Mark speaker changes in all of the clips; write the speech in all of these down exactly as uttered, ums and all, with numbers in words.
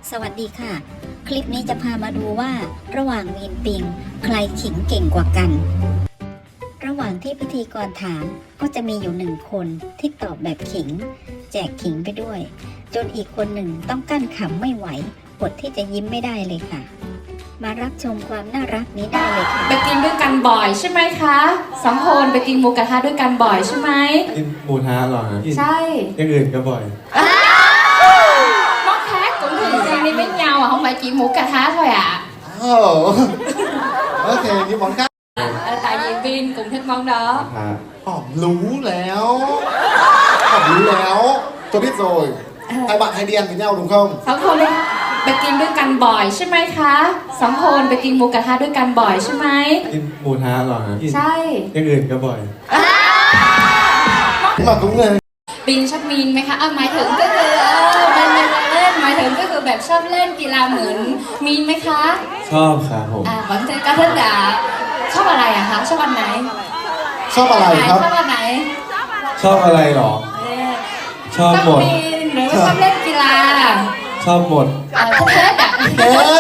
Speaker 1: สวัสดีค่ะคลิปนี้จะพามาดูว่าระหว่างมีนปิงใครขิงเก่งกว่ากันระหว่างที่พิธีกรถามก็จะมีอยู่หนึ่งคนที่ตอบแบบขิงแจกขิงไปด้วยจนอีกคนหนึ่งต้องกั้นขำไม่ไหวอดที่จะยิ้มไม่ได้เลยค่ะมารับชมความน่ารักนี้ได้เลยค่ะ
Speaker 2: ไปกินด้วยกันบ่อยใช่ไหมคะสองคนไปกินหมูกระทะด้วยกันบ่อยใช่ไหม
Speaker 3: กินหมูทะหรอฮะ
Speaker 2: ใช่
Speaker 3: อย่างอื่นก็บ่อย
Speaker 2: món khác cũng thường xuyên đi với nhau à không phải chỉ hủ cà thá thôi ạ
Speaker 4: Ồ, ok, những món khác.
Speaker 2: à, tại vì Vin cũng thích món đó
Speaker 4: อ๋อรู้แล้วอ๋อรู้แล้วtôi biết rồi hai bạn hay đi ăn với nhau đúng không
Speaker 2: สองคนไปไปกินด้วยกันบ่อยใช่ไหมคะสองคนไปกินหมูกระทะด้วยกันบ่อยใช่ไหม
Speaker 3: กินหมูทะหรอฮะ
Speaker 2: ใช่
Speaker 3: อย่างอื่นก็บ่อย
Speaker 4: nhưng mà cũng người
Speaker 2: บินชอบมีนไหมคะอ่ะหมายถึงก็คือเออมันมันเล่นหมายถึงก็คือแบบชอบเล่นกีฬาเหมือนมีนไหมคะ
Speaker 3: ชอบครับผม
Speaker 2: อ่าวันเทนก็เทนดาชอบอะไรอะคะชอบวันไหน
Speaker 4: ชอบอะไรครับ
Speaker 2: ชอบวันไหน
Speaker 3: ชอบอะไรหรอ
Speaker 2: เออ
Speaker 3: ชอบหมด
Speaker 2: บินหรือว่าชอบเล่นกีฬา
Speaker 3: ชอบหมด
Speaker 2: อ่าเทสอะ
Speaker 4: เอ๊ะ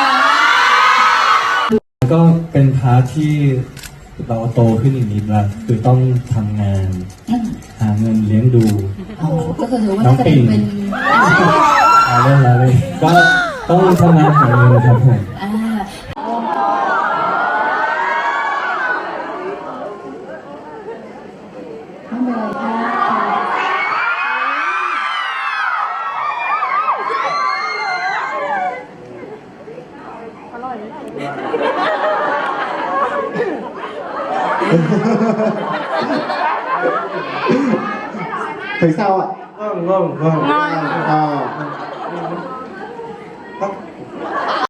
Speaker 5: แล้วก็เป็นพาร์ทที่เราโตขึ้นอีกนิดละคือต้องทำงานหาเงินเลี้ยงดู
Speaker 2: ก็คือถือว่า
Speaker 5: น้อง
Speaker 2: จะ
Speaker 5: ปิ่
Speaker 2: เป็น
Speaker 5: ง
Speaker 2: เป็น
Speaker 5: เอาเล่นแล้วเลยก็ต้องทำงานหาเงินครับผม
Speaker 2: อ่าไม่เป็นไรค่ะ
Speaker 4: thấy sao ạ
Speaker 3: ง่วงง่วงง่วง
Speaker 4: à,